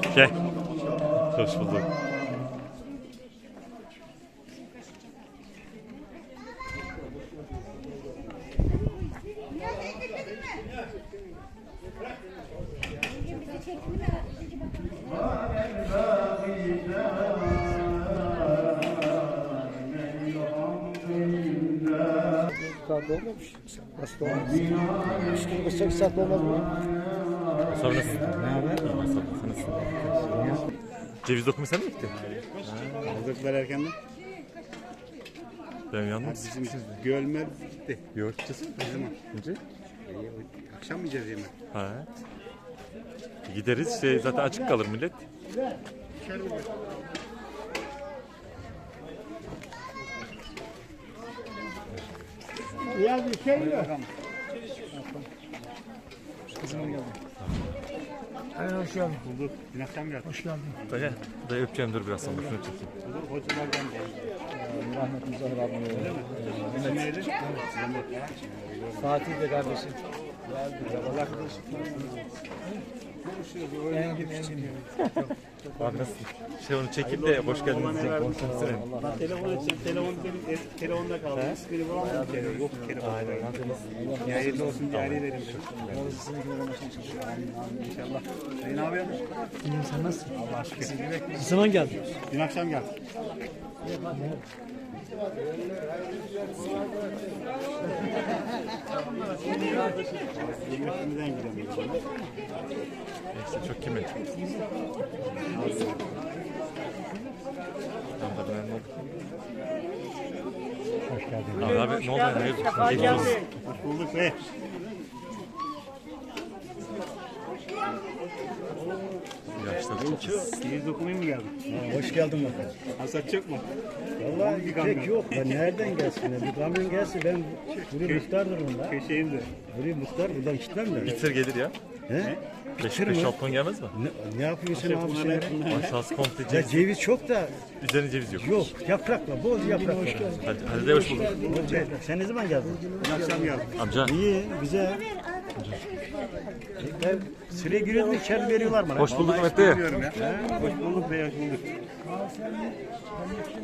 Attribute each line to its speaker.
Speaker 1: Gel. Hoş bulduk.
Speaker 2: Saat olmamış. Nasıl olmaz? 3-8 saat olmaz mı?
Speaker 1: Sonra nasılsın? Ne haber? Sen nasılsın? Ceviz dokumaya sen mi gittin?
Speaker 3: Aldıklar erkenden.
Speaker 1: Ben yandım.
Speaker 3: Bizim gölmer bitti.
Speaker 1: Yok gideceğiz.
Speaker 3: Ne zaman?
Speaker 1: Önce?
Speaker 3: Akşam mı yiyeceğiz yemek?
Speaker 1: Ha. Gideriz işte zaten açık kalır millet.
Speaker 2: Ya bir şey yok. Hayır, hoş geldin.
Speaker 3: Bulduk. Dün akşam geldik.
Speaker 2: Hoş geldin.
Speaker 1: Dayı, dayı öpeceğim dur biraz sonra şunu çekeyim.
Speaker 3: Bulduk. Hocalardan geldik.
Speaker 2: Rahmet Muzaffer abi.
Speaker 3: İsim neydi?
Speaker 2: Fatih de kardeşim.
Speaker 3: Allah kılıçlık.
Speaker 2: Engin.
Speaker 1: Abi nasılsın? Şey onu çekip de hoş geldiniz diyecek. Konuşmasın.
Speaker 3: Ben telefon edeceğim. Telefon benim telefonda kaldı. İsmini bulamadım. Yok telefon. Ya hayırlı olsun diye arayı verin. İnşallah. Sayın abi yapmış.
Speaker 2: İyiyim, sen nasılsın?
Speaker 3: Allah şükür.
Speaker 2: Ne zaman geldin?
Speaker 3: Dün akşam geldik. Yemekimizden gidemeyiz.
Speaker 1: Neyse çok kimin? Tamam da ben ne oldu?
Speaker 2: Hoş geldin.
Speaker 1: Abi ne oldu? Hayırdır?
Speaker 3: Hoş bulduk be.
Speaker 1: Yaşlar çok pis.
Speaker 3: Ceviz dokumaya mı geldin?
Speaker 2: Hoş geldin bakalım.
Speaker 3: Hasat çok mu?
Speaker 2: Vallahi
Speaker 3: Bir kamyon.
Speaker 2: pek yok. Ben nereden gelsin? Bir kamyon gelsin. Ben buraya muhtardır bunda.
Speaker 3: Köşeyim de.
Speaker 2: Buraya muhtar. Buradan gitmem ben.
Speaker 1: Bitir gelir ya.
Speaker 2: He?
Speaker 1: 5-6 ton gelmez mi?
Speaker 2: Ne yapıyorsun sen abi sen?
Speaker 1: Aşağısı komple
Speaker 2: Ya
Speaker 1: ceviz.
Speaker 2: ceviz çok da
Speaker 1: Üzerine ceviz yok.
Speaker 2: yok. Yaprakla, bol yaprak var.
Speaker 1: Hadi de hoş bulduk.
Speaker 2: Sen ne zaman geldin?
Speaker 3: Dün akşam geldik.
Speaker 1: Amca.
Speaker 2: İyi, güzel. Ben sıraya giriyorum, içeri veriyorlar bana.
Speaker 1: Hoş bulduk Mehmet dayı.
Speaker 3: Bilmiyorum ya. Hoş bulduk be, hoş bulduk.